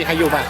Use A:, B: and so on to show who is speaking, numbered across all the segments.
A: ใครอยู่ป่ะ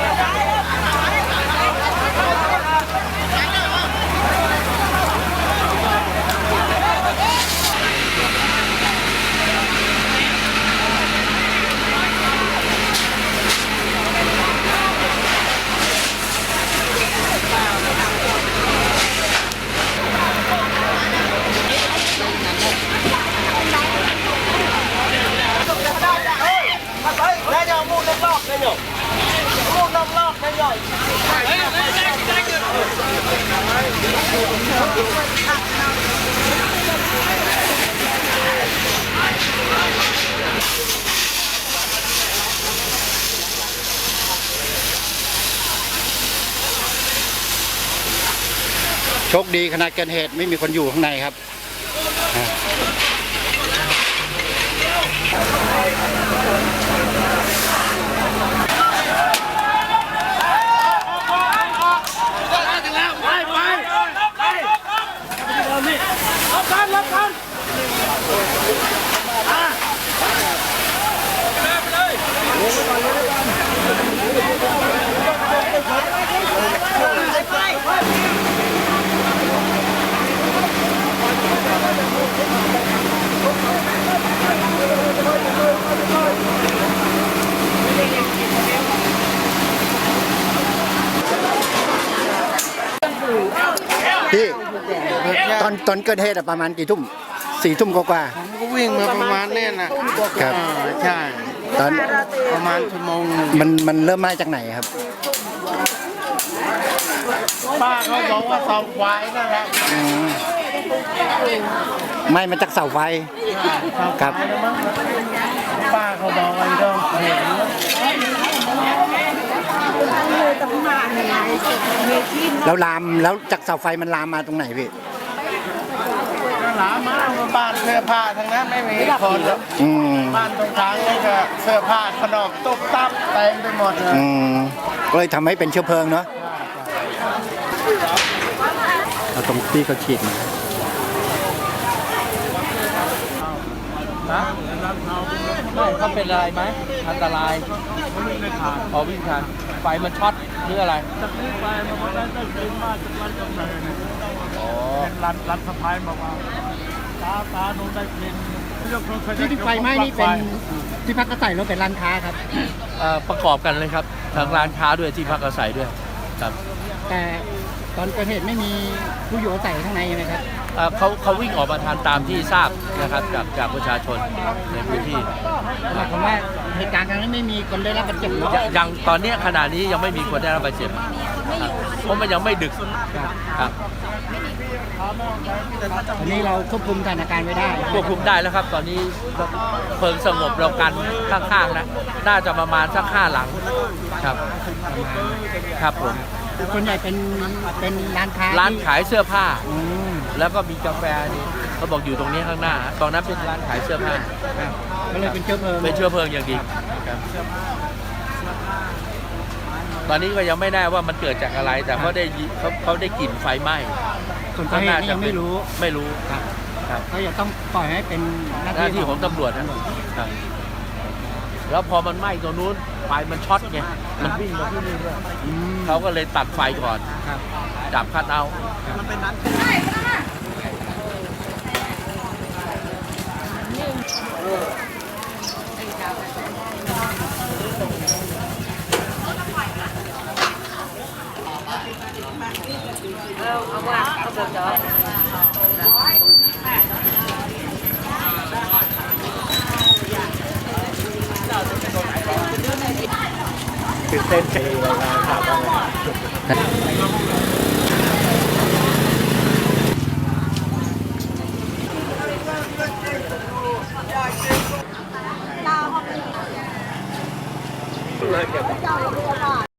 A: โชคดีขณะเกิดเหตุไม่มีคนอยู่ข้างในครับพี่ตอนเกิดเหตุประมาณกี่ทุ่ม4 ทุ่มกว่า
B: ผมก็วิ่งมาประมาณนี้นะครับใช่
A: ตอน
B: ประมาณชั่วโมง
A: มันเริ่มมาจากไหนครับ
B: ป้าเขาบอกว่าเสาไฟนั่นแหละ
A: ไม่มาจากเสาไฟครับ
B: ป้าเขาบอกว่าต้องเห็น
A: แล้วลามแล้วจากเสาไฟมันลามมาตรงไหนพี่
B: ลามมาบ้านเสื้อผ้าทั้งนั้นไม่มีคนบ้านตรงกลางนี่ก็เสื้อผ้าขนมตุ๊บตับเต็มไปหมดเลย
A: ก็เลยทำให้เป็นเชื้อเพลิงเนาะเอาตรงที่เขาฉีดมา
C: ไม่เขาเป็นอะไรไหมอันตรายพอวิ่งทันไฟมันช็อตหรืออะไร
B: จากนี้ไปมันได้ยินมาจากร้านกาแฟเป็นร้านสะพายบอกว่าตาโน้นได้กิน
A: ที่ไฟไหม้นี่เป็นที่พักอาศัยหรือเป็นร้านค้าครับ
C: ประกอบกันเลยครับทั้งร้านค้าด้วยที่พักอาศัยด้วยครับ
A: แต่ตอนเกิดเหตุไม่มีผู้อยู่อาศัยข้างในไหมครับ
C: เขาวิ่งออกมาทานตามที่ทราบนะครับจากประชาชนในพื้นที่
A: หมายความว่าเหตุการณ์ครั้งนี้ไม่มีคนได้รับบาดเจ็บ
C: ยังตอนนี้ขณะนี้ยังไม่มีคนได้รับบาดเจ็บเพราะมันยังไม่ดึกครับ
A: ตอนนี้เราควบคุมสถานการณ์ไว้ได้
C: ควบคุมได้แล้วครับตอนนี้เพลิงสงบเรากันข้างๆนะน่าจะประมาณสัก5 หลังครับครับผม
A: ส่วนใหญ่เป็น
C: ร้านขายเสื้อผ้าแล้วก็มีกาแฟนี่เขาบอกอยู่ตรงนี้ข้างหน้าตอนนั้นเป็นร้านขายเสื้อผ้า
A: ก็เลยเป็นเชื้อเพลิง
C: อย่างดีตอนนี้ก็ยังไม่ได้ว่ามันเกิดจากอะไรแต่เขาได้กลิ่นไฟไหม้
A: ส่วนสาเหตุยังไม่รู้
C: ครับ
A: เขาจะต้องปล่อยให้เป็น
C: หน้าที่ของตำรวจนะครับแล้วพอมันไหม้ตรงนู้นไฟมันช็อตไงมันวิ่งมาที่นี่ด้วยเขาก็เลยตัดไฟก่อนจับคัดเอามันเป็นนั้น
D: เอาว่าเขาบอกจะ
A: ตื่นเต้นใจเลยนะครับ
D: เรา